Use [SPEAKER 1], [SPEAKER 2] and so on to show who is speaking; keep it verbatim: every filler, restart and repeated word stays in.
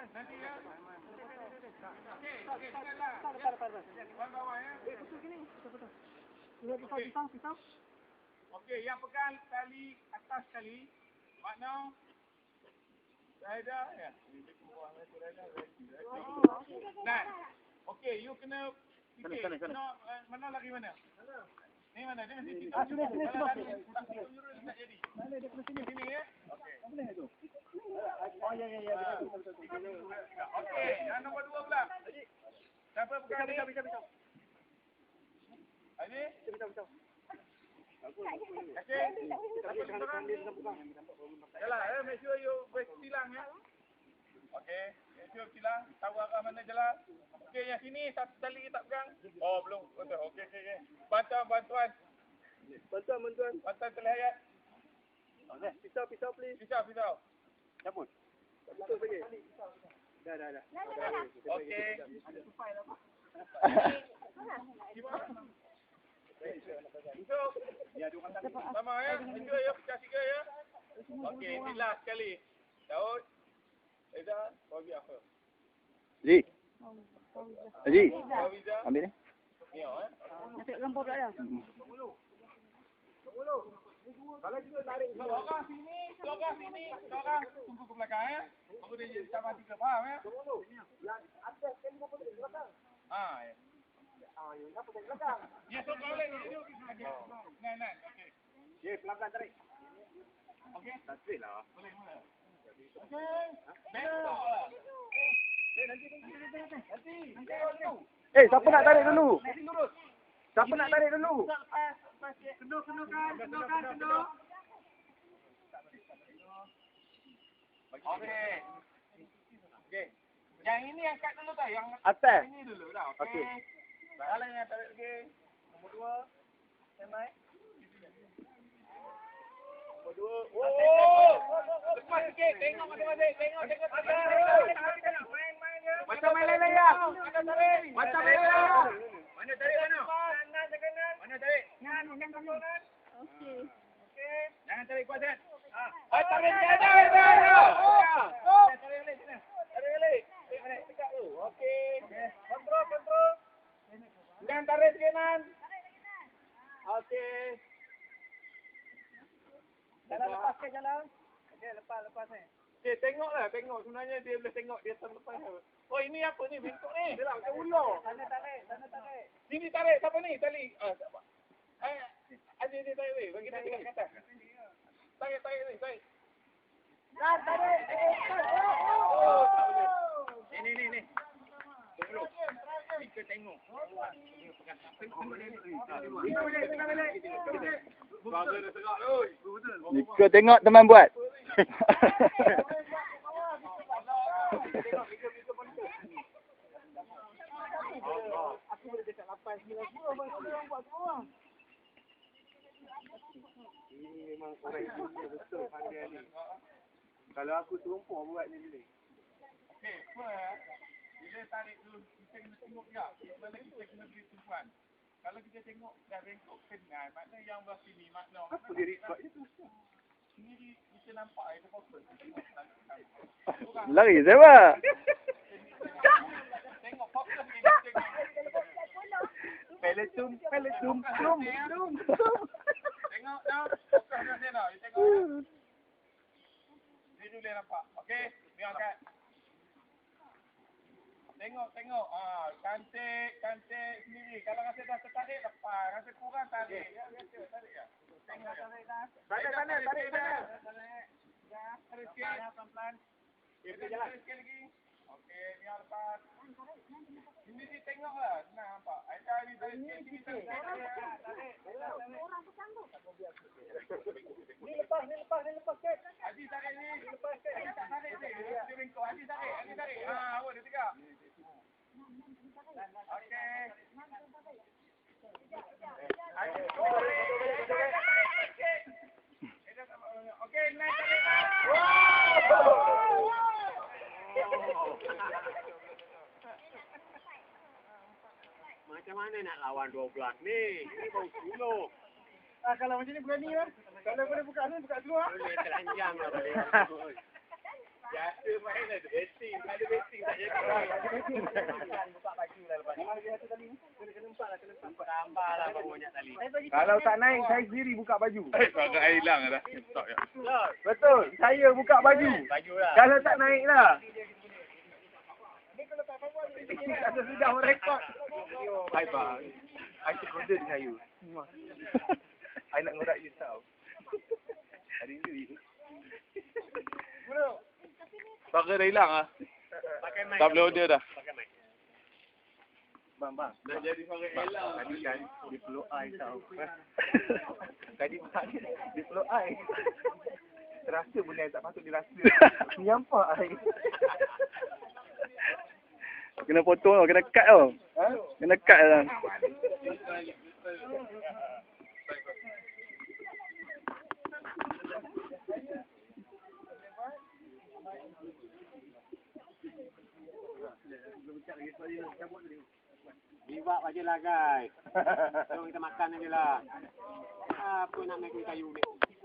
[SPEAKER 1] Nanti ya. Okey, okey, dengarlah. Tar, tar, tar. Bawah ya. Eh, betul gini. Betul, betul. Lihat pisau, pisau, pisau. Okey, yang pegang tali atas sekali. Makna Raida ya. Nah. Okey, you kena fikir. Sana, sana, sana. Mana lagi mana? Ni mana? Dia mesti situ. Ah, sini, sini, sini. Tak jadi. Mana dia kena sini. Sini ya. Okey. Apa ni tu? Oh, ya, ya, ya. Okey, yang nombor dua pula. Siapa pegang ni? Bisa, bisa, bisa. Ini? Bisa, bisa. Okey. Siapa pegang dia bisa pegang. Yalah, eh, make sure you break tilang ya. Okey, make sure tilang. Tahu arah mana jalan. Okey, yang sini satu tali tak pegang. Oh, belum. Betul. Okey, okey, okey. Bantuan, bantuan. Bantuan, bantuan. Bantuan terlihat. Okey, pisau, pisau please. Pisau, pisau. Cabut. Betul lagi. Dah, dah, dah. Okey. Ada tupai lah, Pak. Gimana? Untuk. Ya, dua kali. Sama ya. Tiga ya, pecah tiga ya. Okey, inilah sekali. Daud. Eza, bagi apa?
[SPEAKER 2] Ji. Ji. Ambil ni.
[SPEAKER 1] Ni oh eh.
[SPEAKER 3] Nanti lempar dah ya.
[SPEAKER 1] sepuluh. sepuluh. Kalau kita tarik seorang sini, seorang sini, seorang tunggu ke belakang ya. Baru dia jadi sama tiga, faham ya? Yang atas kan lima puluh ke belakang. Ah, ya. Ah, yang apa ke belakang? Ya, so kalau ni duduk. Nah, nah, okey. Ya, pelan-pelan tarik. Okey. Tarik lah. Boleh, boleh. Okey. Besok lah. Eh, nanti nanti nanti. Nanti. Nanti.
[SPEAKER 2] Eh, siapa nak tarik dulu?
[SPEAKER 1] Nanti lurus.
[SPEAKER 2] Siapa nak tarik dulu?
[SPEAKER 1] Lepas, lepas. Kendor, kendor kan, kendor kan, kendor. Okey. Okey. Yang ini angkat dulu tak? Yang
[SPEAKER 2] Atas.
[SPEAKER 1] ini dulu dah. Okey.
[SPEAKER 2] Okey.
[SPEAKER 1] Salah yang tarik lagi. Nombor dua. Semai. Nombor dua. Oh! Lepas sikit. Tengok masing-masing. Tengok, tengok. Main, main ya. Macam main layang. Macam tarik. Macam main layang. Mana tarik mana? Kanan, kanan. Mana tarik? Kanan, kanan, kanan.
[SPEAKER 3] Okey.
[SPEAKER 1] Okey. Jangan tarik kuat kan? Ah. Oh, tarik dia dah. Dah. Oh. Tarik balik sini. Tarik balik. Tarik balik dekat tu. Okey. Kontrol, kontrol. Jangan tarik kanan. Tarik kanan. Okey. Jalan lepas ke jalan? Okey, lepas, lepas ni. Okey, tengoklah, tengok. Sebenarnya dia boleh tengok dia terlepas. Oh, ini apa ni? Bengkok ni. Dia lah, macam ular. Sana tarik, sana tarik. Sini tarik. Siapa ni? Tali. Ah, siapa? Ah, ada dia tarik ni. Bagi dia dekat atas. Tarik, tarik ni, tarik. Nah, tarik. Oh, tak boleh. Ni, ni, ni. Tunggu. Kita tengok.
[SPEAKER 2] Jika tengok teman buat.
[SPEAKER 1] Aku boleh dekat lapan sembilan puluh abang orang buat semua. Ini memang orang Indonesia betul pandai ni. Kalau aku serumpuk buat ni boleh. Okey, apa bila tarik dulu kita kena tengok juga mana kita kena beri tumpuan. Kalau kita tengok dah bengkok kenal, makna yang belah sini makna. Apa dia record je tu? Sini kita nampak ada fokus.
[SPEAKER 2] Lari siapa?
[SPEAKER 1] Tengok fokus ni tengok.
[SPEAKER 2] Peletum, peletum, tum, tum.
[SPEAKER 1] Tengok dah. Fokus dah sini dah. Tengok. Ni dulu dia nampak. Okey, ni angkat. Tengok, tengok. Ah, cantik, cantik sendiri. Kalau rasa dah tertarik, lepas. Rasa kurang, tarik. Ya, biasa. Tarik ya. Tengok, tarik dah. Tarik sana, tarik sana. Tarik. Ya, tarik sikit. Pelan-pelan. Okey, jalan. Sikit lagi. Okey, ni lepas. Ini dia tengoklah. Senang nampak. Aida ni tarik sikit. Sini tarik. Tarik.
[SPEAKER 3] Orang tersanggup.
[SPEAKER 1] Ni lepas, ni lepas, ni lepas sikit. Haji tarik ni. Lepas sikit. Haji tak tarik ni. Dia bengkok. Haji tarik. Haji tarik. Haa, awak dia tegak. Okey. Okey, naik tarik.
[SPEAKER 4] Macam mana nak lawan dua belas ni? Ini baru sepuluh.
[SPEAKER 1] Ah, kalau macam ni berani kan? Kalau boleh buka ni, buka dua.
[SPEAKER 4] Boleh telanjang lah boleh.
[SPEAKER 1] Biasa main ada betting. Ada betting.
[SPEAKER 4] Tambah lah baru banyak tali.
[SPEAKER 2] Kalau tak naik, saya sendiri buka baju.
[SPEAKER 1] Eh, agak air hilang dah. Tak ya.
[SPEAKER 2] Betul, saya buka baju.
[SPEAKER 4] Baju lah.
[SPEAKER 2] Kalau tak naik lah. Ada sudah merekod. Hai bang, I cek kode dengan you. I nak ngorak you tau. Hari ni.
[SPEAKER 1] Pakai dah hilang ah.
[SPEAKER 4] Pakai mic.
[SPEAKER 1] Tak boleh order dah.
[SPEAKER 4] Pakai mic.
[SPEAKER 2] Bang, bang.
[SPEAKER 1] Dah jadi pakai hilang.
[SPEAKER 2] Tadi kan, dia peluk I tau. Tadi bang, dia peluk I. Terasa benda yang tak patut dirasa. Nyampak I.
[SPEAKER 5] Kena potong tau, kena cut tau.
[SPEAKER 2] Ha?
[SPEAKER 5] Kena cut lah.
[SPEAKER 4] Biwak aja lah guys. Jom kita makan aja lah. Apa nak naik kayu ni?